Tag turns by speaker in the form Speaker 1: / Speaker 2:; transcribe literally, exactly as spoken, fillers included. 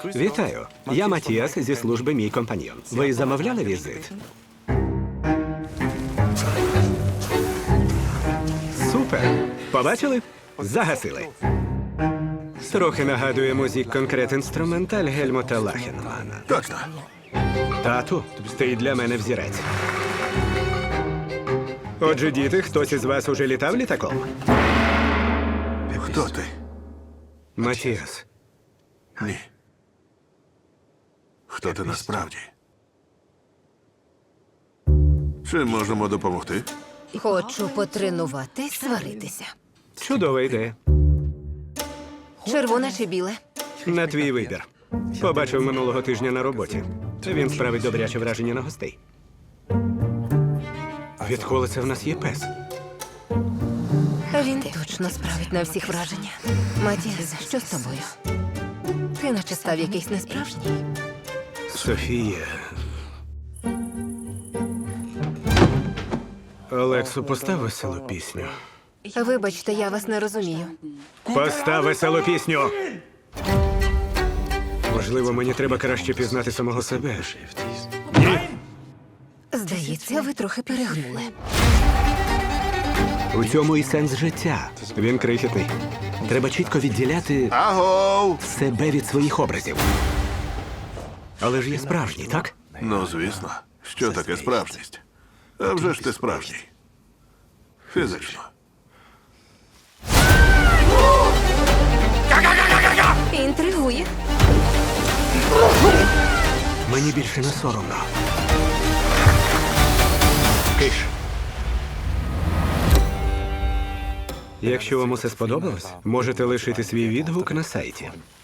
Speaker 1: Вітаю. Я Матіас зі служби «Мій компаньйон». Ви замовляли візит? Супер! Побачили? Загасили. Трохи нагадує музик конкрет інструменталь Гельмута Лахенмана.
Speaker 2: Точно.
Speaker 1: Тату, ти для мене взірець. Отже, діти, хтось із вас уже літав літаком?
Speaker 2: Хто ти?
Speaker 1: Матіас.
Speaker 2: Ні. Хто ти насправді? Чим можемо допомогти?
Speaker 3: Хочу потренуватись сваритися.
Speaker 1: Чудова ідея.
Speaker 3: Червоне чи біле?
Speaker 1: На твій вибір. Побачив минулого тижня на роботі. Він справить добряче враження на гостей. Відколи це в нас є пес?
Speaker 3: Він точно справить на всіх враження. Матіас, що з тобою? Ти наче став якийсь несправжній.
Speaker 1: Софія. Олексу, постав веселу пісню.
Speaker 3: Вибачте, я вас не розумію.
Speaker 1: Постав веселу пісню! Можливо, мені треба краще пізнати самого себе.
Speaker 3: Здається, ви трохи перегнули.
Speaker 1: У цьому і сенс життя. Він крихітний. Треба чітко відділяти
Speaker 2: Агов!
Speaker 1: себе від своїх образів. Але ж є справжній, так?
Speaker 2: Ну, звісно. Що таке справжність? А вже ж ти справжній. Фізично.
Speaker 3: Інтригує.
Speaker 1: Мені більше не соромно. Киш. Якщо вам усе сподобалось, можете лишити свій відгук на сайті.